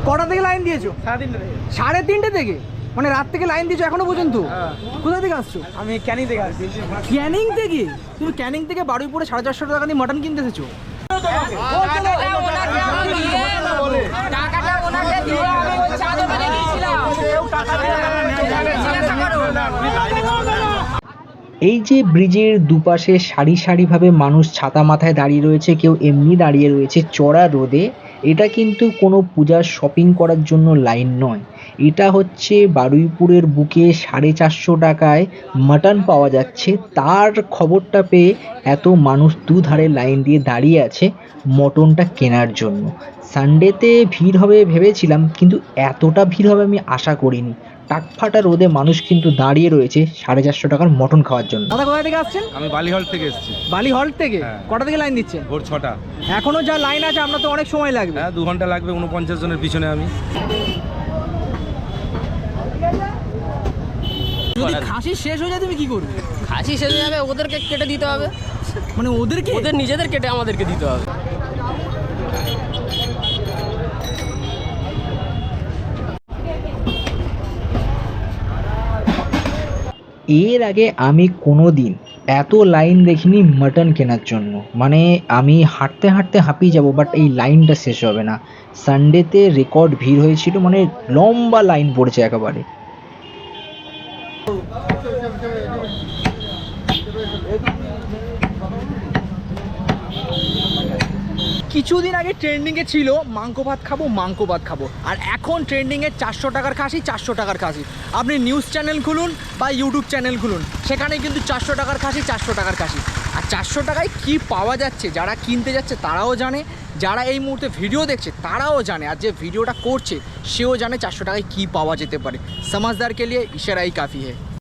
কটা থেকে লাইন দিয়েছো? 3:30 থেকে। মানে রাত থেকে লাইন দিয়েছো এখনো পর্যন্ত? কোথা থেকে আসছো? আমি ক্যানিং থেকে আসছি। ক্যানিং থেকে? তুমি ক্যানিং থেকে বারুইপুরে 450 টাকা দিয়ে মটন কিনতে এসেছো? এই যে ব্রিজের দুপাশে সারি সারিভাবে মানুষ ছাতা মাথায় দাঁড়িয়ে রয়েছে, কেউ এমনি দাঁড়িয়ে রয়েছে চড়া রোদে, এটা কিন্তু কোনো পূজার শপিং করার জন্য লাইন নয়। এটা হচ্ছে বারুইপুরের বুকে 450 টাকায় মাটন পাওয়া যাচ্ছে, তার খবরটা পেয়ে এত মানুষ দুধারে লাইন দিয়ে দাঁড়িয়ে আছে মটনটা কেনার জন্য। সানডেতে ভিড় হবে ভেবেছিলাম, কিন্তু এতটা ভিড় হবে আমি আশা করিনি। টাকফাটা রোদে মানুষ কিন্তু দাঁড়িয়ে রয়েছে 450 টাকার মটন খাওয়ার জন্য। দাদা কোথা থেকে আসছেন? আমি বালিহল থেকে এসেছি। বালিহল থেকে? হ্যাঁ। কটা থেকে লাইন দিচ্ছেন? ভোর 6টা। এখনো যা লাইন আছে আপনার তো অনেক সময় লাগবে। হ্যাঁ 2 ঘন্টা লাগবে, 49 জনের পিছনে আমি। যদি খাসি শেষ হয়ে যায় তুমি কি করবে? খাসি শেষ হয়ে যাবে, ওদেরকে কেটে দিতে হবে। মানে ওদেরকে? ওদের নিজেদের কেটে আমাদেরকে দিতে হবে। এর আগে আমি কোনো দিন এত লাইন দেখিনি মাটন কেনার জন্য। মানে আমি হাঁটতে হাঁটতে হাঁপিয়ে যাব, বাট এই লাইনটা শেষ হবে না। সানডেতে রেকর্ড ভিড় হয়েছিল, মানে লম্বা লাইন পড়েছে একেবারে। কিছুদিন আগে ট্রেন্ডিংয়ে ছিল মাংকো ভাত খাবো, আর এখন ট্রেন্ডিংয়ে 400 টাকার খাসি, 400 টাকার খাসি। আপনি নিউজ চ্যানেল খুলুন বা ইউটিউব চ্যানেল খুলুন, সেখানে কিন্তু 400 টাকার খাসি, 400 টাকার খাসি। আর 400 টাকায় কি পাওয়া যাচ্ছে যারা কিনতে যাচ্ছে তারাও জানে, যারা এই মুহূর্তে ভিডিও দেখছে তারাও জানে, আর যে ভিডিওটা করছে সেও জানে 400 টাকায় কী পাওয়া যেতে পারে। সমাজদার কে লিয়ে ইশারাই কাফি है।